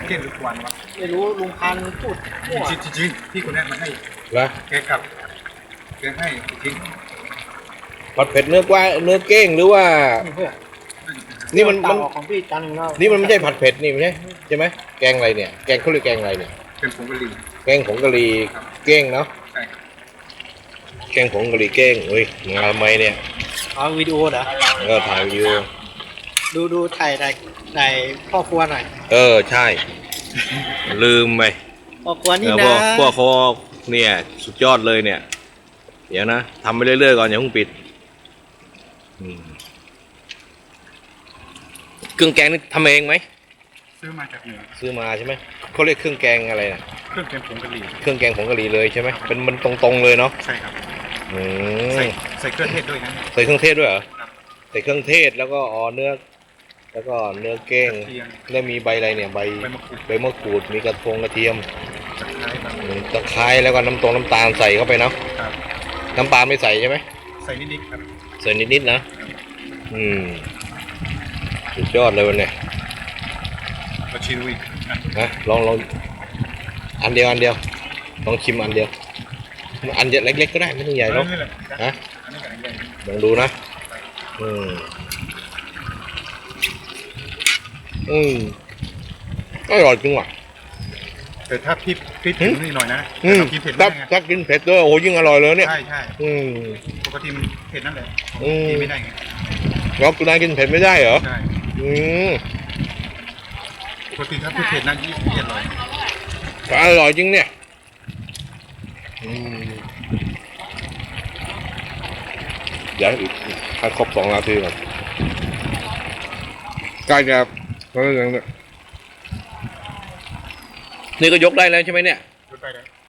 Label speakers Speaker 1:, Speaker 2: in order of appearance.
Speaker 1: เก่งหรือควันวะ
Speaker 2: ไม่รู้ลุงพันธุ์พูดมั่ว
Speaker 1: จริงๆพี่คนนี้มาให้
Speaker 3: เหรอ
Speaker 1: แกกลับแกให้จริง
Speaker 3: ผัดเผ็ดเนื้อกวายเนื้อเก้งหรือว่า
Speaker 2: เพื่อน
Speaker 3: นี่มัน
Speaker 2: ต่างออกของพี่จันทร์แล้ว
Speaker 3: นี่มันไม่ใช่ผัดเผ็ดนี่ไม่ใช่ใช่ไหมแกงอะไรเนี่ยแกงเขาเรียกแกงอะไรเนี่ย
Speaker 1: เป็นผงกะหรี่
Speaker 3: แกงผงกะหรี่เก้งเนาะ
Speaker 1: ใช่ครับ
Speaker 3: แกงผงกะหรี่เก้งเฮ้ยงานทำไมเนี่ย
Speaker 2: เอาวิดีโอเหรอ
Speaker 3: ก็ถ่ายวิดีโอ
Speaker 2: ดูถ่ายในพ่อครัวหน่อย
Speaker 3: ใช่ ลืมไป
Speaker 2: พ่อครัวนี่
Speaker 3: พ
Speaker 2: นะ
Speaker 3: วกเขาเนี่ยสุดยอดเลยเนี่ย เดี๋ยวนะทำไปเรื่อยๆก่อนอย่าเพิ่งปิดอืมเครื่องแกงนี่ทำเองไหม
Speaker 1: ซื้อมาจากเหนือ
Speaker 3: ซื้อมาใช่ไหมเขาเรียกเครื่องแกงอะไรนะ
Speaker 1: เครื่องแกงผงกะหรี่
Speaker 3: เครื่องแกงผงกะหรี่เลยใช่ไหมเป็นมันตรงๆเลยเนาะ
Speaker 1: ใช่ครับ
Speaker 3: อื
Speaker 1: ใส่
Speaker 3: ม
Speaker 1: ใส่เครื่องเทศด้วยนะ
Speaker 3: ใส่เครื่องเทศด้วยเหรอ
Speaker 1: ครับ
Speaker 3: ใส่เครื่องเทศแล้วก็เนื้อแล้วก็เนื้อเก้ง
Speaker 1: กระเทียม
Speaker 3: แล้วมีใบอะไรเนี่ยใบ
Speaker 1: ใบมะกรูด
Speaker 3: ใบมะกรูดมีกระเทียม
Speaker 1: ตะไคร้บาง
Speaker 3: ตะไคร้แล้วก็น้ำตาลใส่เข้าไปเนาะ
Speaker 1: ครับ
Speaker 3: น้ำปลาไม่ใส่ใช่ไหม
Speaker 1: ใส่นิดๆครับ
Speaker 3: ใส่นิดๆนะสุดยอดเลยวันเนี่ย
Speaker 1: มาชิมดูอีกอ่ะ
Speaker 3: นะลองอันเดียวลองชิมอันเดียวอันเล็กๆก็ได้ไม่ต้องใหญ่หรอก
Speaker 1: นี่แหละ
Speaker 3: ฮะ
Speaker 1: อันนี้กับอันใหญ่
Speaker 3: ลองดูนะอร่อยจริงว่ะ
Speaker 1: แต่ถ้าพริกถึงนี่หน่อยนะถ้ากินเผ็ด
Speaker 3: ถ้า
Speaker 1: ไม่ได้ไง
Speaker 3: ถ้ากินเผ็ดด้วยโอ้โหยิ่งอร่อยเลยเนี่ย
Speaker 1: ใช่ใช่
Speaker 3: อืม
Speaker 1: ปกติมันเผ็ดนั่นแหละ
Speaker 3: อืม
Speaker 1: กินไม่ได้ไง
Speaker 3: เราคุณนายกินเผ็ดไม่ได้เหรอ
Speaker 1: ใช่
Speaker 3: อืม
Speaker 1: ปกติถ้าเผ็ดนั่นยิ่งอร่อย
Speaker 3: อร่อยจริงเนี่ยเดี๋ยวอีกให้ครบ2 นาทีก่อนใกล้จะนี่ก็ยกได้แล้วใช่ไหมเนี่ย
Speaker 1: รสได้แล้ว